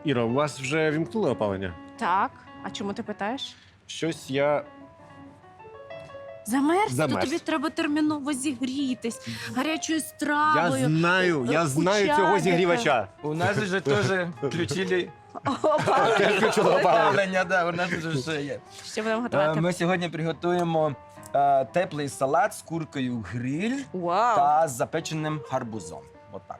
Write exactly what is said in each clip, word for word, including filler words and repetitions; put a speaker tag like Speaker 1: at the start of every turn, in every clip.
Speaker 1: Іро, у вас вже вімкнули опалення?
Speaker 2: Так. А чому ти питаєш?
Speaker 1: Щось я...
Speaker 2: Замерз?
Speaker 1: Замерз.
Speaker 2: То тобі треба терміново зігрітись гарячою
Speaker 1: Я
Speaker 2: стравою.
Speaker 1: знаю, я
Speaker 2: у
Speaker 1: знаю цього
Speaker 2: чайника.
Speaker 1: зігрівача.
Speaker 3: У нас же теж включили
Speaker 2: Опа.
Speaker 1: Теж включили опалення.
Speaker 3: опалення, да, у нас вже все є.
Speaker 2: Що будемо
Speaker 3: Е,
Speaker 2: готувати?
Speaker 3: Ми сьогодні приготуємо е, теплий салат з куркою гриль
Speaker 2: Вау.
Speaker 3: та з запеченим гарбузом. Отак.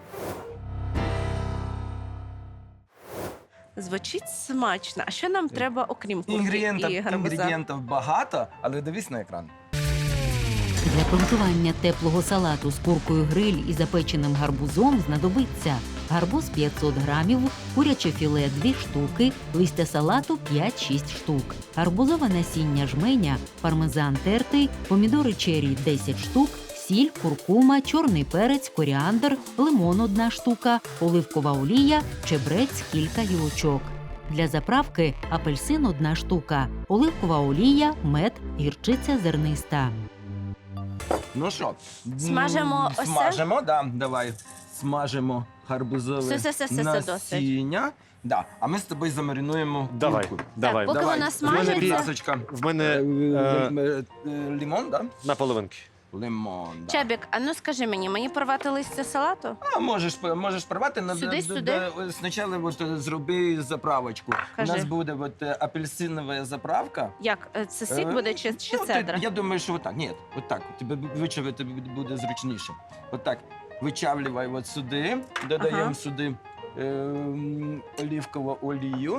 Speaker 2: Звучить смачно. А що нам треба, окрім курки
Speaker 3: Інгредієнтів,
Speaker 2: і гарбуза?
Speaker 3: інгредієнтів багато, але дивись на екран.
Speaker 4: Для приготування теплого салату з куркою гриль і запеченим гарбузом знадобиться гарбуз п'ятсот грамів, куряче філе дві штуки, листя салату п'ять-шість штук, гарбузове насіння жменя, пармезан тертий, помідори черрі десять штук, сіль, куркума, чорний перець, коріандр, лимон одна штука, оливкова олія, чебрець кілька гілочок. Для заправки апельсин одна штука, оливкова олія, мед, гірчиця зерниста.
Speaker 3: Ну що,
Speaker 2: Смажемо
Speaker 3: м,
Speaker 2: ось це?
Speaker 3: Смажемо, да, давай. Смажемо гарбузове
Speaker 2: Все, все, все, все, все, досить.
Speaker 3: насіння. Да. А ми з тобою замаринуємо
Speaker 1: Давай,
Speaker 3: курку.
Speaker 1: давай.
Speaker 2: поки
Speaker 3: Давай.
Speaker 2: вона
Speaker 3: В мене
Speaker 2: смажиться.
Speaker 3: ласочка.
Speaker 1: В мене
Speaker 3: Е,
Speaker 1: е,
Speaker 3: е, е, Лимон, да?
Speaker 1: на половинки.
Speaker 3: Лимон, да.
Speaker 2: Чабік, а ну скажи мені, мені порвати листя салату?
Speaker 3: А, можеш, можеш порвати, но
Speaker 2: Сюди,
Speaker 3: д- д-
Speaker 2: сюди?
Speaker 3: д- спочатку от, е, зроби заправочку.
Speaker 2: Кажи.
Speaker 3: У нас буде от, е, апельсинова заправка.
Speaker 2: Як? Е, Це сік
Speaker 3: Е,
Speaker 2: буде чи, чи
Speaker 3: ну, ти-
Speaker 2: цедра?
Speaker 3: Я думаю, що отак. Ні, отак. Тебе вичавити буде зручніше. Отак. Вичавлювай от сюди, додаємо
Speaker 2: Ага.
Speaker 3: сюди ем, олівкову олію.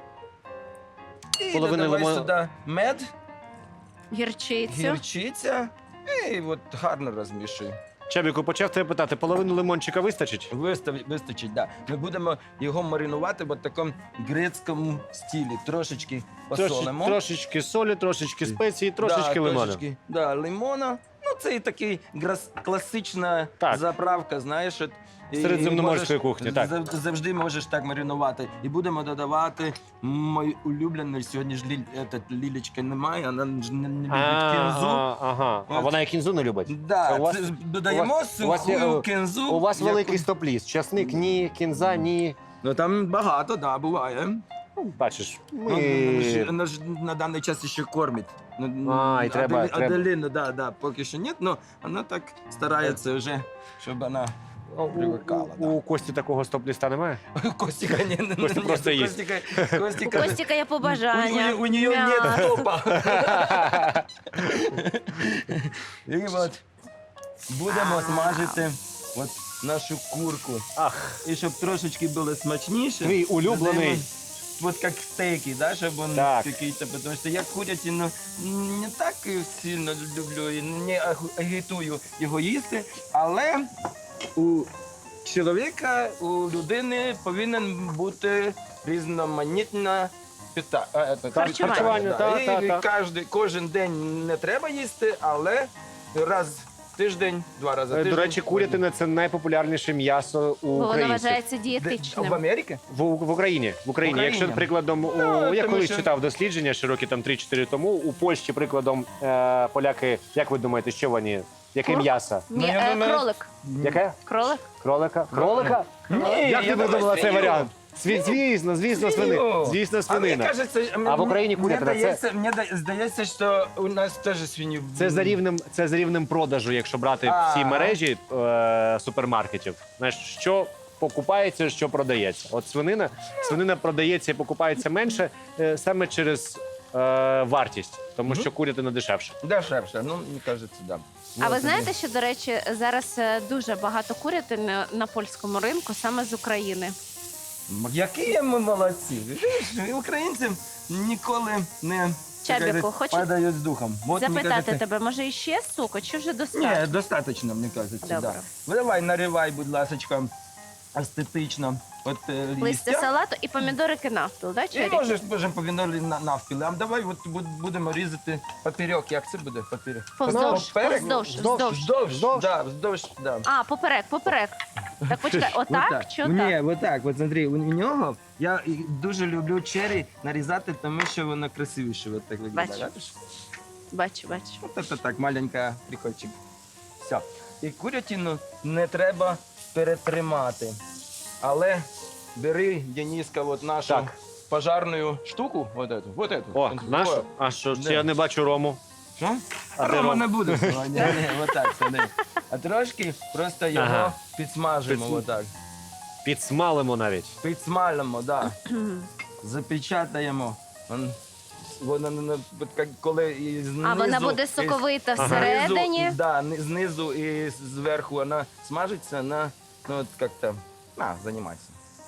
Speaker 3: І
Speaker 1: Половину
Speaker 3: додавай
Speaker 1: лимона.
Speaker 3: сюди мед,
Speaker 2: Гірчицю.
Speaker 3: гірчиця. І от гарно розмішуй.
Speaker 1: Чабіку, почав тебе питати, половину лимончика вистачить?
Speaker 3: Вистав, вистачить, да. Ми будемо його маринувати в такому грецькому стилі. Трошечки
Speaker 1: Трошечки,
Speaker 3: посолимо.
Speaker 1: трошечки солі, трошечки спеції, трошечки
Speaker 3: да,
Speaker 1: лимону.
Speaker 3: Трошечки, да, лимона. Ну, це і такий грас- класична
Speaker 1: Так.
Speaker 3: заправка, знаєш. От, і
Speaker 1: Середземноморської
Speaker 3: можеш-
Speaker 1: кухні, так.
Speaker 3: зав- Завжди можеш так маринувати. І будемо додавати мою улюблену. Сьогодні ж ліль, етот, лілечки немає, вона ж не, не любить кінзу.
Speaker 1: Ага, ага. А
Speaker 3: От.
Speaker 1: вона і кінзу не любить?
Speaker 3: Да,
Speaker 1: У вас-
Speaker 3: це ж додаємо
Speaker 1: у вас- у вас є,
Speaker 3: суху
Speaker 1: е,
Speaker 3: кінзу.
Speaker 1: У вас
Speaker 3: яку-
Speaker 1: великий стоп-ліст. Часник ні, кінза ні.
Speaker 3: Ну там багато, да, буває.
Speaker 1: Ну, бачиш,
Speaker 3: Ну, вона ж-
Speaker 1: ми...
Speaker 3: вона ж на даний час ще кормить. Ну,
Speaker 1: А, і треба-
Speaker 3: Аделі-
Speaker 1: треба.
Speaker 3: Аделіну, да, да, поки що ні, але вона так старається вже, щоб вона
Speaker 1: У,
Speaker 3: привикала.
Speaker 1: у, у Кості такого стоп-ліста немає?
Speaker 3: Костіка ні, не
Speaker 1: Костя просто їсть.
Speaker 3: Костіка,
Speaker 2: У
Speaker 3: Костіка,
Speaker 2: Костіка є
Speaker 3: у,
Speaker 2: побажання.
Speaker 3: у, у нее
Speaker 2: М'ясо.
Speaker 3: нет топа. І от будемо смажити от нашу курку.
Speaker 1: Ах,
Speaker 3: І щоб трошечки було смачніше.
Speaker 1: твій улюблений.
Speaker 3: додаємо Вот как стейки, да, чтобы он
Speaker 1: Так.
Speaker 3: какие-то, потому что я курятину не так і сильно люблю і не агу- агітую його їсти, але у чоловіка, у людини повинен бути різноманітна пита... а, е,
Speaker 2: Харчування.
Speaker 1: Харчування,
Speaker 3: да.
Speaker 1: та,
Speaker 3: І
Speaker 1: та, та.
Speaker 3: кожен, кожен день не треба їсти, але раз в тиждень, два рази в
Speaker 1: Е,
Speaker 3: тиждень.
Speaker 1: До речі, курятина – це найпопулярніше м'ясо у
Speaker 2: Бо воно
Speaker 1: українців.
Speaker 2: вважається
Speaker 3: Де-
Speaker 2: дієтичним.
Speaker 3: в Америці?
Speaker 1: В, в Україні. В Україні.
Speaker 3: В
Speaker 1: Якщо,
Speaker 3: Україні.
Speaker 1: прикладом, у,
Speaker 3: Ну,
Speaker 1: я
Speaker 3: тому
Speaker 1: колись
Speaker 3: що-
Speaker 1: читав дослідження ще роки там три-чотири тому, у Польщі, прикладом, е, поляки, як ви думаєте, що вони? Яке
Speaker 2: Кур?
Speaker 1: м'ясо?
Speaker 2: Ні,
Speaker 3: Ну, я
Speaker 2: е,
Speaker 3: думаю-
Speaker 2: кролик.
Speaker 1: Яке?
Speaker 2: Кролик?
Speaker 1: Кролика? Кролика?
Speaker 3: Ні,
Speaker 1: Як
Speaker 3: я
Speaker 1: ти
Speaker 3: думаю,
Speaker 1: видумала цей
Speaker 3: свиню.
Speaker 1: варіант? Сві- Звісно, звісно, свини.
Speaker 3: Свиню.
Speaker 1: Звісно,
Speaker 3: А мені
Speaker 1: свинина.
Speaker 3: кажеться,
Speaker 1: А в Україні
Speaker 3: мені
Speaker 1: курятина, це-
Speaker 3: здається, мені да- здається, що у нас теж свиню.
Speaker 1: Це за рівнем, це за рівнем продажу, якщо брати
Speaker 3: А.
Speaker 1: всі мережі е, супермаркетів. Знаєш, що покупається, що продається. От свинина, свинина продається і покупається менше е, саме через е, вартість, тому що курятина дешевше.
Speaker 3: Дешевше, ну, мені кажеться, да.
Speaker 2: А ви
Speaker 3: Ну,
Speaker 2: знаєте, що, до речі, зараз е, дуже багато курятини на польському ринку саме з України.
Speaker 3: тоді- Які ми молодці. Видиш, українці ніколи не
Speaker 2: Чабіку,
Speaker 3: так сказати,
Speaker 2: хочеш
Speaker 3: падають з духом. От, мені
Speaker 2: Запитати
Speaker 3: кажеться,
Speaker 2: тебе, може іще суку, чи вже
Speaker 3: Ні,
Speaker 2: достатньо?
Speaker 3: достатньо, мені кажеться,
Speaker 2: Добре.
Speaker 3: да. Ну, давай, наривай, будь ласка, естетично. От е,
Speaker 2: Листя
Speaker 3: листя.
Speaker 2: салату і помідорики навпіл, да,
Speaker 3: І
Speaker 2: черрі?
Speaker 3: можеш, можемо повінорі на навпіл. А давай от буд- будемо різати поперек. Як це буде поперек?
Speaker 2: Повздовж,
Speaker 3: Поперек?
Speaker 2: повздовж,
Speaker 1: Вздовж.
Speaker 2: вздовж.
Speaker 3: Вздовж,
Speaker 1: Вздовж?
Speaker 3: да, вздовж, да.
Speaker 2: А, поперек, поперек. Так, почекай, отак чи
Speaker 3: Ні,
Speaker 2: отак?
Speaker 3: отак. От смотри, у нього я і дуже люблю черрі нарізати, тому що воно красивіше. От так виглядає.
Speaker 2: Бачу.
Speaker 3: Бачиш?
Speaker 2: Бачу, бачу.
Speaker 3: От це так, маленька прикольчик. Все. І курятину не треба перетримати. Але бери, Дениска, от нашу
Speaker 1: Так.
Speaker 3: пожарну штуку, вот эту, вот эту.
Speaker 1: О,
Speaker 3: О,
Speaker 1: наш? А що,
Speaker 3: Де?
Speaker 1: це я не бачу рому.
Speaker 3: Що?
Speaker 1: А
Speaker 3: А
Speaker 1: де
Speaker 3: Рома
Speaker 1: Ром?
Speaker 3: не буде сьогодні. Ні, ні, отак сиди. А трошки просто його
Speaker 1: Ага.
Speaker 3: підсмажимо,
Speaker 1: Підсм-
Speaker 3: отак.
Speaker 1: Підсмалимо навіть.
Speaker 3: Підсмалимо, да. Запечатаємо. Он- Вона, вона, от як коли і знизу,
Speaker 2: А вона буде
Speaker 3: і
Speaker 2: соковита
Speaker 1: Ага.
Speaker 2: всередині.
Speaker 3: Знизу, да, ни- знизу і зверху вона смажиться на, ну от як-то, на, займайся.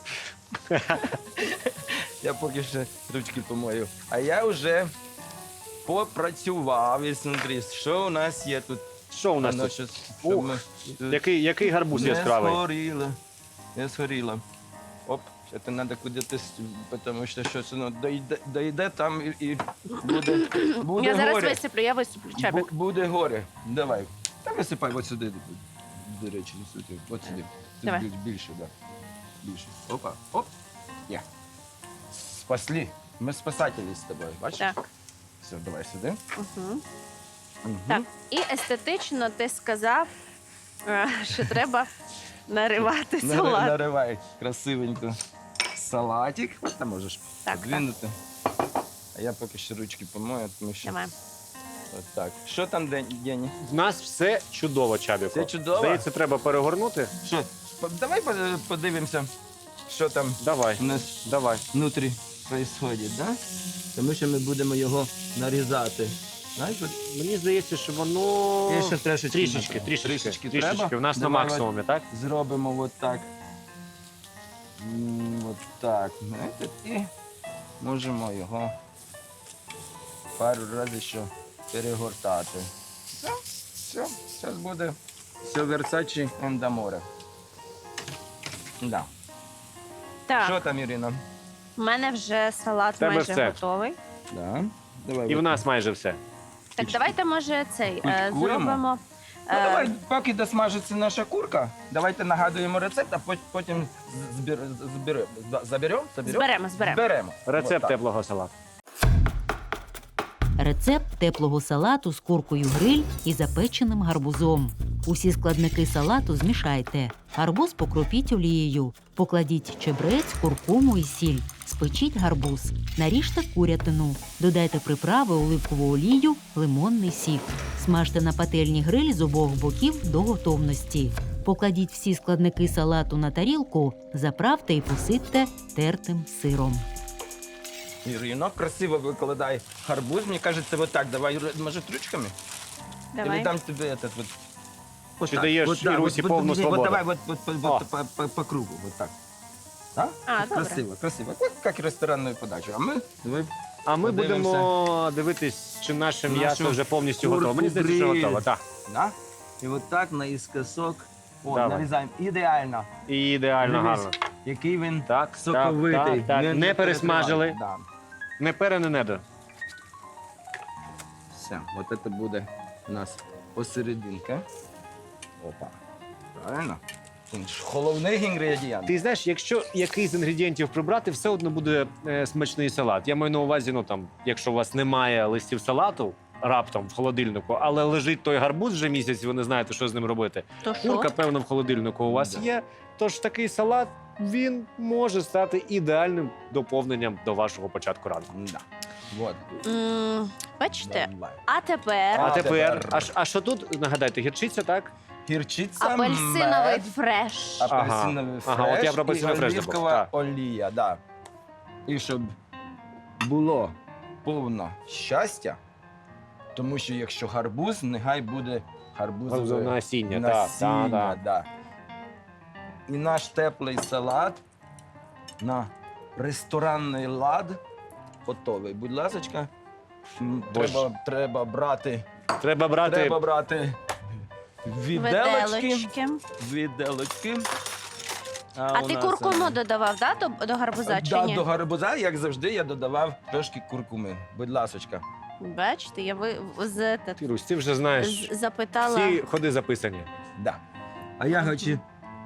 Speaker 3: Я поки ще ручки помою. А я вже попрацював і смотри, що у нас є тут.
Speaker 1: Що у нас
Speaker 3: Воно
Speaker 1: тут?
Speaker 3: щось,
Speaker 1: Ух,
Speaker 3: щоб ми тут
Speaker 1: Який, який гарбуз
Speaker 3: не
Speaker 1: яскравий?
Speaker 3: згоріло, не згоріло. Оп, це треба кудись, тому що щось воно дойде, дойде там і, і буде, буде
Speaker 2: Я зараз
Speaker 3: горе.
Speaker 2: висиплю, я висиплю чабік.
Speaker 3: Бу- Буде горе. Давай. Та висипай от сюди. До речі, не сюди. От сюди. Тут
Speaker 2: Давай.
Speaker 3: більше, більше, да. Більше. Опа, оп. Є. Спасли. Ми спасателі з тобою, бачиш?
Speaker 2: Так.
Speaker 3: Все, давай сюди.
Speaker 2: Угу.
Speaker 3: Мгм.
Speaker 2: Так. І естетично ти сказав, е, що треба наривати
Speaker 3: Нари-
Speaker 2: салат.
Speaker 3: Наривай красивенько салатик. Там можеш
Speaker 2: Так,
Speaker 3: подвинути. А я поки що ручки помою, тому що
Speaker 2: Давай.
Speaker 3: от так. Що там, Ден- Дені?
Speaker 1: В нас все чудово, Чабіко.
Speaker 3: Все чудово?
Speaker 1: Здається, треба перегорнути.
Speaker 3: Що? По- Давай по- подивимося, що там
Speaker 1: Давай,
Speaker 3: у нас
Speaker 1: давай.
Speaker 3: внутрі відбувається, да? Тому що ми будемо його нарізати. Знаєш, от
Speaker 1: Мені здається, що воно
Speaker 3: є ще трішечки.
Speaker 1: трішечки,
Speaker 3: треба.
Speaker 1: трішечки,
Speaker 3: Трішечки
Speaker 1: трішечки.
Speaker 3: треба.
Speaker 1: У нас на
Speaker 3: Давай
Speaker 1: максимумі, так?
Speaker 3: от зробимо от так. М, От так. Знаєте, і можемо його пару разів ще перегортати. Все, все, зараз буде все Версачі ендаморе. Да.
Speaker 2: Так,
Speaker 3: Що там, Ірина?
Speaker 2: в мене вже салат
Speaker 1: Тебе
Speaker 2: майже
Speaker 1: все.
Speaker 2: готовий.
Speaker 3: Да. Давай,
Speaker 1: І в
Speaker 3: от.
Speaker 1: нас майже все.
Speaker 2: Так, давайте, може, цей е,
Speaker 3: Кулькуємо?
Speaker 2: зробимо.
Speaker 3: Ну,
Speaker 2: е,
Speaker 3: давай, поки досмажиться наша курка, давайте нагадуємо рецепт, а пот- потім збір, збір, заберемо?
Speaker 2: Зберемо, зберемо.
Speaker 3: Зберемо.
Speaker 1: Рецепт
Speaker 3: От так.
Speaker 1: теплого салату.
Speaker 4: Рецепт теплого салату з куркою гриль і запеченим гарбузом. Усі складники салату змішайте. Гарбуз покропіть олією. Покладіть чебрець, куркуму і сіль. Спечіть гарбуз. Наріжте курятину. Додайте приправи, оливкову олію, лимонний сік. Смажте на пательні гриль з обох боків до готовності. Покладіть всі складники салату на тарілку, заправте і посипте тертим сиром.
Speaker 3: Ірино, красиво викладай гарбуз. Мені кажеться, вот так. Давай, Ір- може, ручками? Я
Speaker 2: Давай.
Speaker 3: дам тобі этот вот. Вот
Speaker 1: Ти
Speaker 3: так,
Speaker 1: даєш
Speaker 3: вот так,
Speaker 1: Ірусі
Speaker 3: вот,
Speaker 1: повну
Speaker 3: вот,
Speaker 1: свободу.
Speaker 3: Вот давай вот, вот, вот,
Speaker 1: О.
Speaker 3: вот, по, по, по кругу, вот так. А?
Speaker 2: А,
Speaker 3: Вот
Speaker 2: добре.
Speaker 3: красиво, красиво. Вот как ресторанную подачу. А ми давай
Speaker 1: А ми
Speaker 3: Подивимося.
Speaker 1: будемо дивитись, чи наше
Speaker 3: Нашу
Speaker 1: м'ясо вже повністю
Speaker 3: курку
Speaker 1: готове. Мені здається, що
Speaker 3: гриль.
Speaker 1: готово. Так.
Speaker 3: Да? І от так наїскосок. О,
Speaker 1: Давай.
Speaker 3: нарізаємо. Ідеально.
Speaker 1: І ідеально
Speaker 3: Дивись,
Speaker 1: гарно.
Speaker 3: який він
Speaker 1: Так,
Speaker 3: соковитий.
Speaker 1: так, так, так.
Speaker 3: Він
Speaker 1: Не пересмажили.
Speaker 3: перетриваний. Да.
Speaker 1: Не пере, не недо.
Speaker 3: Все, от це буде у нас посерединка. Опа. Правильно? Він ж головний інгредієнт.
Speaker 1: Ти знаєш, якщо якийсь з інгредієнтів прибрати, все одно буде е, смачний салат. Я маю на увазі, ну там, якщо у вас немає листів салату раптом в холодильнику, але лежить той гарбуз вже місяць, і ви не знаєте, що з ним робити.
Speaker 2: То що?
Speaker 1: Курка, певно, в холодильнику у вас
Speaker 3: Да.
Speaker 1: є. Тож такий салат він може стати ідеальним доповненням до вашого початку ранку.
Speaker 3: Да. Вот.
Speaker 2: М, Бачите?
Speaker 3: Давай.
Speaker 2: А тепер
Speaker 1: А
Speaker 3: А
Speaker 1: тепер,
Speaker 3: тепер.
Speaker 1: а, ш- а що тут? Нагадайте, гірчиця, так?
Speaker 3: Гірчиця,
Speaker 2: апельсиновий
Speaker 3: мед,
Speaker 2: фреш.
Speaker 3: апельсиновий фреш,
Speaker 1: Ага, от я про апельсиновий
Speaker 3: і
Speaker 1: фреш забув,
Speaker 3: оливкова
Speaker 1: так.
Speaker 3: олія, да. І щоб було повно щастя, тому що якщо гарбуз, нехай буде гарбузове
Speaker 1: Насіння, так,
Speaker 3: насіння,
Speaker 1: так, так.
Speaker 3: да. І наш теплий салат на ресторанний лад готовий. Будь ласка, м,
Speaker 1: Боже.
Speaker 3: треба, треба брати,
Speaker 1: Треба брати.
Speaker 3: треба брати віделочки.
Speaker 2: Виделочки.
Speaker 3: Віделочки.
Speaker 2: А
Speaker 3: у
Speaker 2: ти
Speaker 3: нас,
Speaker 2: куркуму
Speaker 3: е,
Speaker 2: додавав, да, до, до гарбуза чи
Speaker 3: да,
Speaker 2: ні?
Speaker 3: до гарбуза, як завжди, я додавав трошки куркуми. Будь ласочка.
Speaker 2: Бачите, я ви з, з,
Speaker 1: Ірусь, ти вже знаєш,
Speaker 2: з- запитала.
Speaker 1: всі ходи записані.
Speaker 3: Да. А я хочу.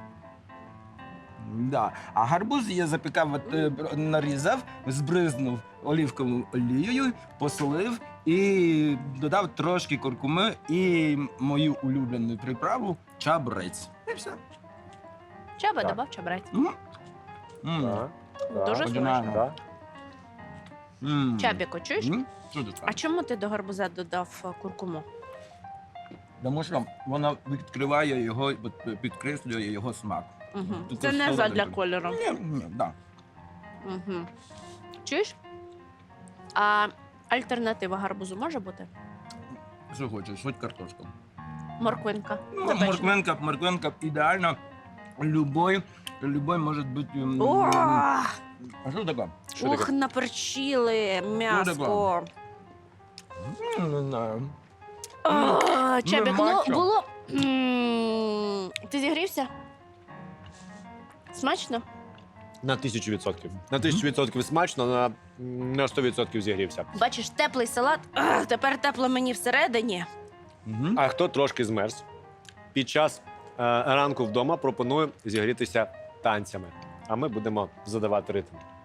Speaker 3: Да. А гарбуз я запікав, от, е, бр- нарізав, збризнув оливковою олією, посолив і додав трошки куркуми і мою улюблену приправу чабрець. І все.
Speaker 2: Чаба
Speaker 3: Так.
Speaker 2: добав чабрець.
Speaker 3: Мгм. М.
Speaker 1: Так, так,
Speaker 2: Дуже
Speaker 3: Оригінально.
Speaker 2: смачно.
Speaker 1: так.
Speaker 3: М.
Speaker 2: Чабіко, чуєш?
Speaker 3: М. Що ти
Speaker 2: А
Speaker 3: скажеш?
Speaker 2: чому ти до гарбуза додав е, куркуму?
Speaker 3: Тому що вона відкриває його, от, підкреслює його смак.
Speaker 2: Угу.
Speaker 3: Тут
Speaker 2: Це не
Speaker 3: солоденько.
Speaker 2: задля кольору.
Speaker 3: Ні, ні, да.
Speaker 2: Угу. Чуєш? А альтернатива гарбузу може бути?
Speaker 3: Що хочеш, хоч картошку.
Speaker 2: Морквинка.
Speaker 3: Ну,
Speaker 2: запечена.
Speaker 3: морквинка, морквинка ідеально. Любой, любой може бути. м,
Speaker 2: О,
Speaker 3: А що таке?
Speaker 1: Що
Speaker 2: ух,
Speaker 1: таке?
Speaker 2: наперчили м'яско.
Speaker 3: М, Не знаю.
Speaker 2: О, Чабік, ну
Speaker 3: мачо.
Speaker 2: було. М, Ти зігрівся? Смачно?
Speaker 1: На тисячу відсотків. На тисячу відсотків смачно, на, на сто відсотків зігрівся.
Speaker 2: Бачиш, теплий салат. Ах, тепер тепло мені всередині.
Speaker 3: Мгм.
Speaker 1: А хто трошки змерз, під час е, ранку вдома пропоную зігрітися танцями. А ми будемо задавати ритм.